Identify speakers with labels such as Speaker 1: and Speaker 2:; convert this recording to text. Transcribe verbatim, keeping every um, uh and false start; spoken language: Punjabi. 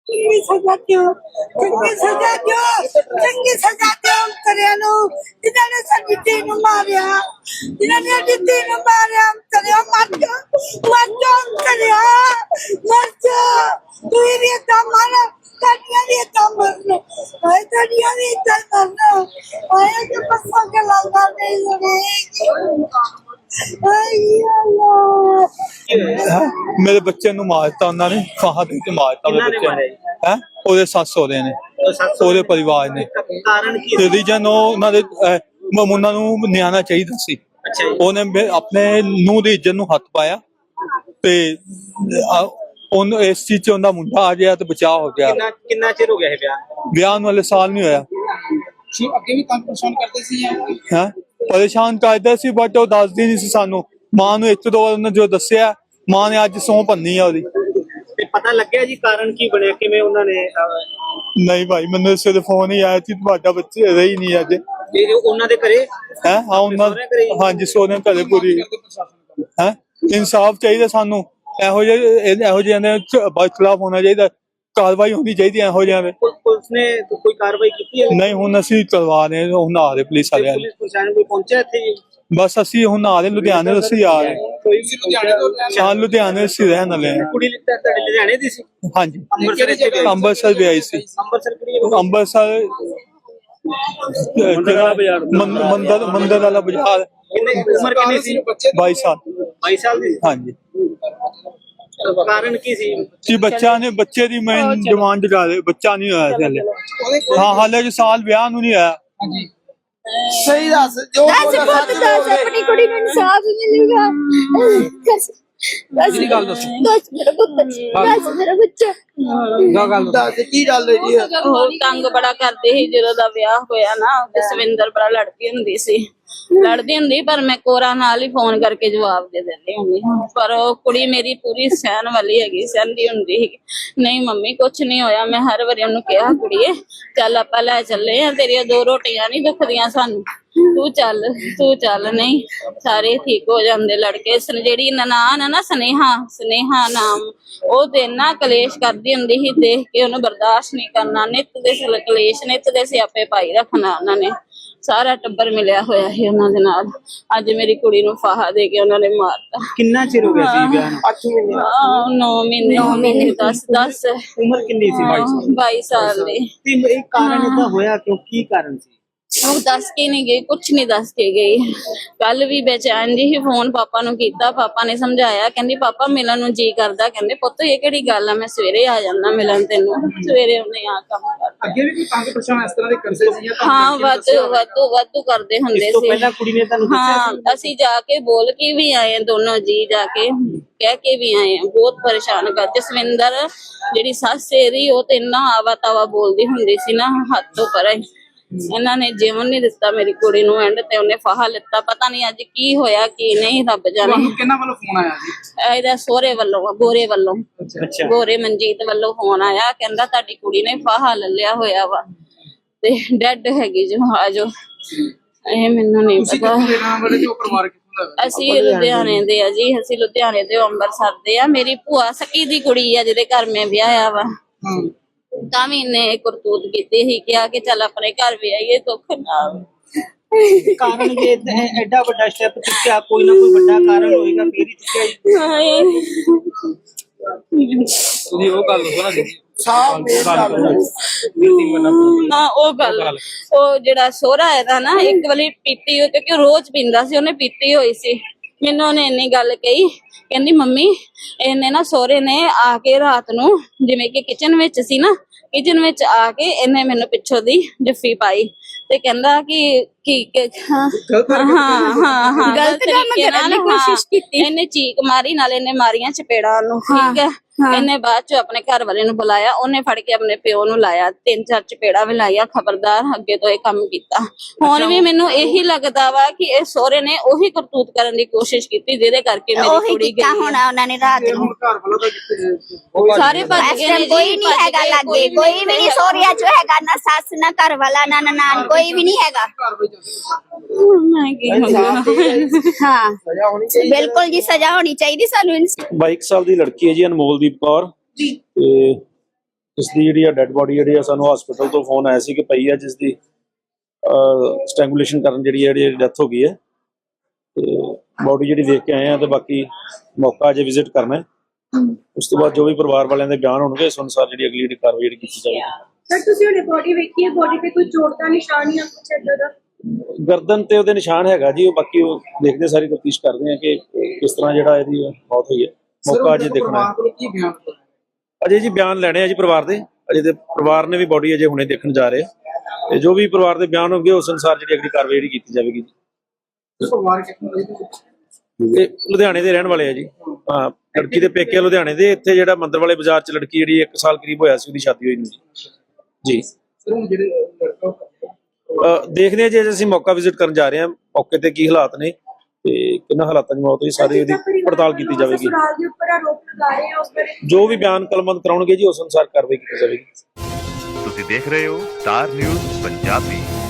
Speaker 1: चंगी सजा क्यों चंगी सजा क्यों चंगी सजा क्यों करे नु जिन्होंने साडी धी नूं मारिया जिन्होंने साडी धी नूं मारिया करे मर जा मर जा करे मर जा तू ही इतना मारा तड़िया भी इतना मरना आए तड़िया भी इतना मरना आए के पसा के लगा नहीं लगे
Speaker 2: मेरे बच्चे ਨੂੰ ਮਾਰਤਾ ਉਹਨਾਂ ਨੇ ਫਾਹਾ ਦੇ ਕੇ ਮਾਰਤਾ ਮੇਰੇ ਬੱਚੇ ਨੂੰ ਹੈ ਉਹਦੇ ਸੱਸ ਸਹੁਰੇ ਨੇ ਉਹਦੇ ਪਰਿਵਾਰ ਨੇ
Speaker 3: ਕਾਰਨ ਕੀ
Speaker 2: ਤੇ ਰੀਜਨ ਉਹਨਾਂ ਦੇ ਮਮੂਨਾ ਨੂੰ ਨਿਆਣਾ ਚਾਹੀਦਾ ਸੀ
Speaker 3: ਅੱਛਾ ਜੀ
Speaker 2: ਉਹਨੇ ਆਪਣੇ ਨੂੰਹ ਦੀ ਇੱਜ਼ਤ ਨੂੰ ਹੱਥ ਪਾਇਆ ਤੇ ਉਹਨੂੰ ਇਸ ਚੀਜ਼ 'ਚ ਉਹਦਾ ਮੁੰਡਾ ਆ ਗਿਆ ਤੇ ਬਚਾਅ ਹੋ ਗਿਆ
Speaker 3: ਕਿੰਨਾ ਕਿੰਨਾ ਚਿਰ ਹੋ ਗਿਆ ਇਹ ਵਿਆਹ
Speaker 2: ਵਿਆਹ ਨੂੰ ਵਾਲੇ ਸਾਲ ਨਹੀਂ ਹੋਇਆ
Speaker 4: ਸੀ ਅੱਗੇ ਵੀ ਕੰਮ ਪਰੇਸ਼ਾਨ ਕਰਦੇ ਸੀ
Speaker 2: ਹੈ ਪਰੇਸ਼ਾਨ ਕਰਦਾ ਸੀ ਬਟ ਉਹ ਦੱਸਦੀ ਨਹੀਂ ਸੀ ਸਾਨੂੰ ਮਾਂ ਨੂੰ ਇੱਕ ਦੋ ਵਾਰ ਉਹਨੇ ਜੋ ਦੱਸਿਆ ਮਾਂ ਨੇ ਅੱਜ ਸਹੁੰ ਭੰਨੀ ਆ ਉਹਦੀ
Speaker 3: ਤੇ ਪਤਾ ਲੱਗਿਆ ਜੀ ਕਾਰਨ ਕੀ ਬਣਿਆ ਕਿਵੇਂ ਉਹਨਾਂ ਨੇ
Speaker 2: ਨਹੀਂ ਭਾਈ ਮੈਨੂੰ ਸਿਰ ਫੋਨ ਹੀ ਆਇਆ ਸੀ ਤੁਹਾਡਾ ਬੱਚੇ ਰਹੀ ਨਹੀਂ ਅੱਜ
Speaker 3: ਇਹ ਉਹਨਾਂ ਦੇ ਘਰੇ
Speaker 2: ਹੈ ਹਾਂ ਉਹਨਾਂ ਹਾਂਜੀ ਸੋਨੇ ਘਰੇ ਪੂਰੀ ਹੈ ਇਨਸਾਫ ਚਾਹੀਦਾ ਸਾਨੂੰ ਇਹੋ ਜਿਹੇ ਇਹੋ ਜਿਹਿਆਂ ਦੇ ਖਿਲਾਫ ਹੋਣਾ ਚਾਹੀਦਾ ਕਾਰਵਾਈ ਹੋਣੀ ਚਾਹੀਦੀ ਇਹੋ ਜਿਹਿਆਂ ਦੇ
Speaker 3: ਪੁਲਿਸ ਨੇ ਕੋਈ ਕਾਰਵਾਈ ਕੀਤੀ ਹੈ
Speaker 2: ਨਹੀਂ ਹੁਣ ਅਸੀਂ ਕਰਵਾ ਰਹੇ ਹੁਣ ਆ ਰਹੇ ਪੁਲਿਸ ਵਾਲਿਆਂ
Speaker 3: ਪੁਲਿਸ ਪ੍ਰਸ਼ਾਸਨ ਕੋਈ ਪਹੁੰਚਿਆ ਇੱਥੇ ਜੀ
Speaker 2: ਬਸ ਅਸੀਂ ਹੁਣ ਆ ਰਹੇ ਲੁਧਿਆਣੇ ਤੋਂ ਅਸੀਂ ਆ ਰਹੇ
Speaker 3: ਕੋਈ ਵੀ ਲੁਧਿਆਣੇ ਤੋਂ
Speaker 2: ਹਾਂ ਲੁਧਿਆਣੇ ਅਸੀਂ ਰਹਿਣ ਵਾਲੇ ਹਾਂ
Speaker 3: ਕੁੜੀ ਤੁਹਾਡੇ ਲੁਧਿਆਣੇ ਦੀ ਸੀ
Speaker 2: ਹਾਂਜੀ
Speaker 3: ਅੰਮ੍ਰਿਤਸਰ ਇੱਥੇ ਗਈ?
Speaker 2: ਅੰਮ੍ਰਿਤਸਰ ਵੀ ਆਈ ਸੀ
Speaker 3: ਅੰਮ੍ਰਿਤਸਰ ਕਿਹੜੀ
Speaker 2: ਅੰਮ੍ਰਿਤਸਰ ਮੰਦਰ ਮੰਦਰ ਵਾਲਾ ਬਾਜ਼ਾਰ
Speaker 3: ਕਿੰਨੇ ਉਮਰ ਕਿੰਨੀ ਸੀ
Speaker 2: ਬਾਈ ਸਾਲ
Speaker 3: ਬਾਈ ਸਾਲ ਦੀ
Speaker 2: ਹਾਂਜੀ
Speaker 3: ਕਾਰਨ ਕੀ ਸੀ
Speaker 2: ਜੀ ਬੱਚਾ ਨੇ ਬੱਚੇ ਦੀ ਮੈਂ ਡਿਮਾਂਡ ਕਰ ਰਹੇ ਬੱਚਾ ਨਹੀਂ ਹੋਇਆ ਸੀ ਹਾਲੇ ਹਾਂ ਹਾਲੇ ਜੀ ਸਾਲ ਵਿਆਹ ਨੂੰ ਨਹੀਂ ਆਇਆ
Speaker 4: ਹਾਂਜੀ ਸਹੀ ਦੱਸ ਜੋ
Speaker 1: दस पुत दस अपनी कुड़ी ਨੂੰ ਇਨਸਾਫ ਮਿਲੇਗਾ
Speaker 4: ਮੇਰੀ ਗੱਲ ਦੱਸੋ
Speaker 1: दस मेरा पुत दस मेरा बच्चा
Speaker 4: ਦਾ ਗੱਲ ਦੱਸ ਕੀ ਗੱਲ ਹੈ ਜੀ
Speaker 5: ਉਹ ਤੰਗ ਬੜਾ ਕਰਦੇ ਸੀ ਜਦੋਂ ਦਾ ਵਿਆਹ ਹੋਇਆ ਨਾ ਜਸਵਿੰਦਰ ਬੜਾ ਲੜਦੀ ਹੁੰਦੀ ਸੀ ਲੜਦੀ ਹੁੰਦੀ ਪਰ ਮੈਂ ਕੋਰਾ ਨਾਲ ਹੀ ਫੋਨ ਕਰਕੇ ਜਵਾਬ ਦੇ ਦਿੰਦੀ ਹੁੰਦੀ ਪਰ ਉਹ ਕੁੜੀ ਮੇਰੀ ਪੂਰੀ ਸਹਿਣ ਵਾਲੀ ਹੈਗੀ ਸਹਿੰਦੀ ਹੁੰਦੀ ਸੀ ਨਹੀਂ ਮੰਮੀ ਕੁਛ ਨਹੀਂ ਹੋਇਆ ਮੈਂ ਹਰ ਵਾਰੀ ਉਹਨੂੰ ਕਿਹਾ ਕੁੜੀਏ ਚੱਲ ਆਪਾਂ ਲੈ ਚੱਲੇ ਆ ਤੇਰੀਆਂ ਦੋ ਰੋਟੀਆਂ ਨਹੀਂ ਦੁਖਦੀਆਂ ਸਾਨੂੰ ਤੂੰ ਚੱਲ ਤੂੰ ਚੱਲ ਨਹੀਂ ਸਾਰੇ ਠੀਕ ਹੋ ਜਾਂਦੇ ਲੜਕੇ ਜਿਹੜੀ ਨਨਾਣ ਆ ਨਾ ਸਨੇਹਾ ਸਨੇਹਾ ਨਾਮ ਉਹ ਤੇ ਇੰਨਾ ਕਲੇਸ਼ ਕਰਦੀ ਹੁੰਦੀ ਸੀ ਦੇਖ ਕੇ ਉਹਨੂੰ ਬਰਦਾਸ਼ਤ ਨਹੀਂ ਕਰਨਾ ਨਿੱਤ ਦੇ ਕਲੇਸ਼ ਨਿੱਤ ਦੇ ਸਿਆਪੇ ਪਾਈ ਰੱਖਣਾ ਉਹਨਾਂ ਨੇ ਸਾਰਾ ਟੱਬਰ ਮਿਲਿਆ ਹੋਇਆ ਸੀ ਉਹਨਾਂ ਦੇ ਨਾਲ ਅੱਜ ਮੇਰੀ ਕੁੜੀ ਨੂੰ ਫਾਹਾ ਦੇ ਕੇ ਉਹਨਾਂ ਨੇ ਮਾਰਤਾ
Speaker 3: ਕਿੰਨਾ ਚਿਰ ਹੋ ਗਿਆ ਸੀ ਵਿਆਹ ਨੂੰ
Speaker 4: ਅੱਠ ਮਹੀਨੇ
Speaker 5: ਨੌ ਮਹੀਨੇ ਨੌ ਮਹੀਨੇ ਦਸ ਦਸ
Speaker 3: ਉਮਰ ਕਿੰਨੀ ਸੀ
Speaker 5: ਬਾਈ ਸਾਲ ਦੀ
Speaker 3: ਤੇ ਇਹ ਕਾਰਨ ਇਹਦਾ ਹੋਇਆ ਕਿਉਂ ਕੀ ਕਾਰਨ ਸੀ
Speaker 5: ਉਹ ਦੱਸ ਕੇ ਨਹੀਂ ਗਈ ਕੁਛ ਨਹੀਂ ਦੱਸ ਕੇ ਗਈ ਕੱਲ ਵੀ ਬੇਚੈਨ ਜੀ ਫੋਨ ਪਾਪਾ ਨੂੰ ਕੀਤਾ ਪਾਪਾ ਨੇ ਸਮਝਾਇਆ ਕਹਿੰਦੀ ਪਾਪਾ ਮਿਲਣ ਨੂੰ ਜੀ ਕਰਦਾ ਕਹਿੰਦੇ ਪੁੱਤ ਇਹ ਕਿਹੜੀ ਗੱਲ ਆ ਮੈਂ ਸਵੇਰੇ ਆ ਜਾਂਦਾ ਮਿਲਣ ਤੈਨੂੰ ਸਵੇਰੇ ਉਹਨੇ ਆ ਕੰਮ ਕਰ
Speaker 4: ਅੱਗੇ ਵੀ ਕੋਈ ਤੰਗ ਪਰੇਸ਼ਾਨ ਇਸ ਤਰ੍ਹਾਂ ਦੇ ਕਰਦੇ ਸੀ ਜਾਂ
Speaker 5: ਹਾਂ ਵਾਧੂ ਵਾਧੂ ਵਾਧੂ ਕਰਦੇ ਹੁੰਦੇ
Speaker 3: ਇਸ ਤੋਂ
Speaker 5: ਸੀ
Speaker 3: ਪਹਿਲਾਂ ਕੁੜੀ ਨੇ ਤੁਹਾਨੂੰ ਦੱਸਿਆ
Speaker 5: ਹਾਂ ਅਸੀਂ ਜਾ ਕੇ ਬੋਲ ਕੇ ਵੀ ਆਏ ਦੋਨੋਂ ਜੀ ਜਾ ਕੇ ਕਹਿ ਕੇ ਵੀ ਆਏ ਬਹੁਤ ਪਰੇਸ਼ਾਨ ਕਰ ਜਸਵਿੰਦਰ ਜਿਹੜੀ ਸੱਸ ਇਹਦੀ ਉਹ ਤੇ ਇੰਨਾ ਆਵਾ ਤਾਵਾ ਬੋਲਦੀ ਹੁੰਦੀ ਸੀ ਨਾ ਹੱਥ ਤੋਂ ਪਰੇ ਇਹਨਾਂ ਨੇ ਜੀਵਨ ਨਹੀਂ ਦਿੱਤਾ ਮੇਰੀ ਕੁੜੀ ਨੂੰ ਐਂਡ ਤੇ ਉਹਨੇ ਫਾਹਾ ਲਿੱਤਾ ਪਤਾ ਨਹੀਂ ਅੱਜ ਕੀ ਹੋਇਆ ਕੀ ਨਹੀਂ ਰੱਬ ਜਾਣੇ
Speaker 4: ਤੁਹਾਨੂੰ ਕਿਹਨਾਂ ਵੱਲੋਂ ਫੋਨ ਆਇਆ ਜੀ
Speaker 5: ਇਹਦਾ ਸਹੁਰੇ ਵੱਲੋਂ ਗੋਰੇ ਵੱਲੋਂ
Speaker 3: ਅੱਛਾ
Speaker 5: ਗੋਰੇ ਮਨਜੀਤ ਵੱਲੋਂ ਫੋਨ ਆਇਆ ਕਹਿੰਦਾ ਤੁਹਾਡੀ ਕੁੜੀ ਨੇ ਫਾਹਾ ਲੱਲਿਆ ਹੋਇਆ ਵਾ ਤੇ ਡੈਡ ਹੈਗੀ ਜੋ ਆਜੋ ਇਹ ਮੈਨੂੰ ਨਹੀਂ
Speaker 4: ਤੁਸੀਂ
Speaker 5: ਪਤਾ
Speaker 4: ਕਿਹਦੇ ਨਾਮ ਵਾਲੇ ਜੋ ਪਰਿਵਾਰ ਕਿੱਥੋਂ ਦਾ
Speaker 5: ਅਸੀਂ ਲੁਧਿਆਣੇ ਦੇ ਆ ਜੀ ਅਸੀਂ ਲੁਧਿਆਣੇ ਦੇ ਅੰਮ੍ਰਿਤਸਰ ਦੇ ਆ ਮੇਰੀ ਭੂਆ ਸਕੀ ਦੀ ਕੁੜੀ ਆ ਜਿਹਦੇ ਘਰ ਮੈਂ ਵਿਆਹਿਆ ਵਾ
Speaker 4: ਹਾਂ
Speaker 5: ਤਾਂ ਵੀ ਇਹਨੇ ਕਰਤੂਤ ਕੀਤੀ ਸੀ ਕਿਹਾ ਕਿ ਚੱਲ ਆਪਣੇ ਘਰ ਵੀ ਆਈਏ ਦੁੱਖ ਨਾਲ
Speaker 3: ਕਾਰਨ ਜੇ ਐਡਾ ਵੱਡਾ ਸਟੈਪ ਚੁੱਕਿਆ ਕੋਈ ਨਾ ਕੋਈ ਵੱਡਾ ਕਾਰਨ ਹੋਏਗਾ ਫੇਰ ਹੀ ਚੁੱਕਿਆ ਜੀ
Speaker 5: ਹਾਏ
Speaker 4: ਤੁਸੀਂ ਉਹ ਗੱਲ ਦੱਸੋ ਨਾ ਸਾਫ
Speaker 5: ਨਾ ਉਹ ਗੱਲ ਉਹ ਜਿਹੜਾ ਸੋਹਰਾ ਇਹਦਾ ਨਾ ਇੱਕ ਵਾਰੀ ਪੀਤੀ ਹੋਈ ਕਿਉਂਕਿ ਰੋਜ਼ ਪੀਂਦਾ ਸੀ ਉਹਨੇ ਪੀਤੀ ਹੋਈ ਸੀ ਮੈਨੂੰ ਉਹਨੇ ਇੰਨੀ ਗੱਲ ਕਹੀ ਕਹਿੰਦੀ ਮੰਮੀ ਇਹਨੇ ਨਾ ਸੋਹਰੇ ਨੇ ਆ ਕੇ ਰਾਤ ਨੂੰ ਜਿਵੇਂ ਕਿ ਕਿਚਨ ਵਿੱਚ ਸੀ ਨਾ ਕਿਚਨ ਵਿੱਚ ਆ ਕੇ ਇਹਨੇ ਮੈਨੂੰ ਪਿੱਛੋਂ ਦੀ ਜੱਫੀ ਪਾਈ ਤੇ ਕਹਿੰਦਾ ਕਿ ਕੀ ਹਾਂ ਹਾਂ ਹਾਂ ਗਲਤ ਤਰੀਕੇ ਨਾਲ ਕੋਸ਼ਿਸ਼ ਕੀਤੀ ਇਹਨੇ ਚੀਕ ਮਾਰੀ ਨਾਲ ਇਹਨੇ ਮਾਰੀਆਂ ਚਪੇੜਾਂ ਨੂੰ ਠੀਕ ਹੈ ਇਹਨੇ ਬਾਅਦ ਚ ਆਪਣੇ ਘਰ ਵਾਲੇ ਨੂੰ ਬੁਲਾਇਆ ਉਹਨੇ ਫੜ ਕੇ ਆਪਣੇ ਪਿਓ ਨੂੰ ਲਾਇਆ ਤਿੰਨ ਚਾਰ ਚਪੇੜਾ ਵੀ ਲਾਇਆ ਖਬਰਦਾਰ ਅੱਗੇ ਤੋਂ ਇਹ ਕੰਮ ਕੀਤਾ ਹੁਣ ਵੀ ਮੈਨੂੰ ਇਹੀ ਲੱਗਦਾ ਵਾ ਕਿ ਇਹ ਸਹੁਰੇ ਨੇ ਉਹੀ ਕਰਤੂਤ ਕਰਨ ਦੀ ਕੋਸ਼ਿਸ਼ ਕੀਤੀ ਜਿਹਦੇ ਕਰਕੇ ਮੇਰੀ ਕੁੜੀ ਗਈ
Speaker 1: ਹੋਣਾ ਉਹਨਾਂ ਨੇ ਰਾਤ ਨੂੰ
Speaker 4: ਘਰ ਵੱਲੋਂ ਤਾਂ ਕਿੱਥੇ
Speaker 5: ਸਾਰੇ ਭੱਜ ਗਏ ਨੇ
Speaker 1: ਕੋਈ ਨਹੀਂ ਹੈਗਾ ਲੱਗੇ ਕੋਈ ਵੀ ਨਹੀਂ ਸੋਰੀਆ ਚ ਹੈਗਾ ਨਾ ਸੱਸ ਨਾ ਘਰ ਵਾਲਾ ਨਾ ਨਨਾਣ ਕੋਈ ਵੀ ਨਹੀਂ ਹੈਗਾ
Speaker 4: ਘਰ ਵਿੱਚ
Speaker 5: ਮੈਂ ਕੀ ਹੋਣਾ
Speaker 1: ਹਾਂ
Speaker 4: ਸਜ਼ਾ ਹੋਣੀ ਚਾਹੀਦੀ
Speaker 1: ਬਿਲਕੁਲ ਜੀ ਸਜ਼ਾ ਹੋਣੀ ਚਾਹੀਦੀ ਸਾਨੂੰ
Speaker 6: ਬਾਈਕ ਸਾਹਿਬ ਦੀ ਲੜਕੀ ਹੈ ਜੀ ਅਨਮੋਲਦੀਪ ਕੌਰ
Speaker 4: ਜੀ
Speaker 6: ਤੇ ਜਿਸ ਦੀ ਜਿਹੜੀ ਆ ਡੈੱਡ ਬੋਡੀ ਜਿਹੜੀ ਆ ਸਾਨੂੰ ਹਸਪੀਟਲ ਤੋਂ ਫੋਨ ਆਇਆ ਸੀ ਕਿ ਪਈ ਆ, ਜਿਸ ਦੀ ਸਟ੍ਰੈਂਗੂਲੇਸ਼ਨ ਕਰਨ ਜਿਹੜੀ ਆ ਜਿਹੜੀ ਡੈਥ ਹੋ ਗਈ ਹੈ। ਤੇ ਬੋਡੀ ਜਿਹੜੀ ਦੇਖ ਕੇ ਆਏ ਆ ਤੇ ਬਾਕੀ ਮੌਕਾ ਅਜੇ ਵਿਜ਼ਿਟ ਕਰਨਾ ਹੈ। ਉਸ ਤੋਂ ਬਾਅਦ ਜੋ ਵੀ ਪਰਿਵਾਰ ਵਾਲਿਆਂ ਦੇ ਬਿਆਨ ਹੋਣਗੇ ਉਸ ਅਨੁਸਾਰ ਜਿਹੜੀ ਅਗਲੀ ਜਿਹੜੀ ਕਾਰਵਾਈ ਜਿਹੜੀ ਕੀਤੀ ਜਾਵੇਗੀ।
Speaker 7: ਸਰ ਤੁਸੀਂ ਉਹਨੇ ਬੋਡੀ ਵੇਖੀ ਹੈ, ਬੋਡੀ ਤੇ ਕੋਈ ਚੋਟ ਦਾ ਨਿਸ਼ਾਨ ਜਾਂ ਕੁਛ ਏਦਾਂ ਦਾ?
Speaker 6: ਗਰਦਨ ਤੇ ਉਹਦੇ ਨਿਸ਼ਾਨ ਹੈਗਾ ਜੀ, ਉਹ ਬਾਕੀ ਉਹ ਦੇਖਦੇ ਸਾਰੀ ਤਫਤੀਸ਼ ਕਰਦੇ ਆ ਕਿ ਕਿਸ ਤਰ੍ਹਾਂ ਜਿਹੜਾ ਇਹਦੀ ਮੌਤ ਹੋਈ ਹੈ। ਮੌਕਾ ਅਜੇ ਦੇਖਣਾ ਹੈ।
Speaker 4: ਕੀ ਬਿਆਨ
Speaker 6: ਅਜੇ ਜੀ ਬਿਆਨ ਲੈਣੇ ਆ ਜੀ ਪਰਿਵਾਰ ਦੇ, ਅਜੇ ਤੇ ਪਰਿਵਾਰ ਨੇ ਵੀ ਬੋਡੀ ਅਜੇ ਹੁਣੇ ਦੇਖਣ ਜਾ ਰਹੇ ਆ ਤੇ ਜੋ ਵੀ ਪਰਿਵਾਰ ਦੇ ਬਿਆਨ ਹੋਣਗੇ ਉਸ ਅਨੁਸਾਰ ਜਿਹੜੀ ਅਗਲੀ ਕਾਰਵਾਈ ਜਿਹੜੀ ਕੀਤੀ ਜਾਵੇਗੀ ਜੀ।
Speaker 4: ਪਰਿਵਾਰ ਕਿੱਥੋਂ
Speaker 6: ਇਹ ਲੁਧਿਆਣੇ ਦੇ ਰਹਿਣ ਵਾਲੇ ਆ ਜੀ। ਹਾਂ, ਲੜਕੀ ਦੇ ਪੇਕੇ ਆ ਲੁਧਿਆਣੇ ਦੇ। ਇੱਥੇ ਜਿਹੜਾ ਮੰਦਰ ਵਾਲੇ ਬਾਜ਼ਾਰ 'ਚ ਲੜਕੀ ਜਿਹੜੀ ਇੱਕ ਸਾਲ ਕਰੀਬ ਹੋਇਆ ਸੀ ਉਹਦੀ ਸ਼ਾਦੀ ਹੋਈ ਨੂੰ ਜੀ ਜੀ
Speaker 4: ਸਰ ਹੁਣ ਜਿਹੜੇ ਲੜਕਾ
Speaker 6: ਅਹ ਦੇਖਦੇ ਆ ਜੀ, ਅਸੀਂ ਮੌਕਾ ਵਿਜ਼ਿਟ ਕਰਨ ਜਾ ਰਹੇ ਹਾਂ, ਮੌਕੇ ਤੇ ਕੀ ਹਾਲਾਤ ਨੇ ਤੇ ਕਿੰਨਾ ਹਾਲਾਤਾਂ 'ਚ ਮੌਤ ਹੋਈ ਸਾਰੀ ਉਹਦੀ ਪੜਤਾਲ ਕੀਤੀ ਜਾਵੇਗੀ।
Speaker 7: ਸਸੁਰਾਲ ਦੇ ਉੱਪਰ ਆਰੋਪ ਲਗਾ ਰਹੇ ਆ, ਉਸ ਬਾਰੇ
Speaker 6: ਜੋ ਵੀ ਬਿਆਨ ਕਲਮਬੰਦ ਕਰਾਉਣਗੇ ਜੀ ਉਸ ਅਨੁਸਾਰ ਕਾਰਵਾਈ ਕੀਤੀ ਜਾਵੇਗੀ।
Speaker 8: ਤੁਸੀਂ ਦੇਖ ਰਹੇ ਹੋ ਸਟਾਰ ਨਿਊਜ਼ ਪੰਜਾਬੀ।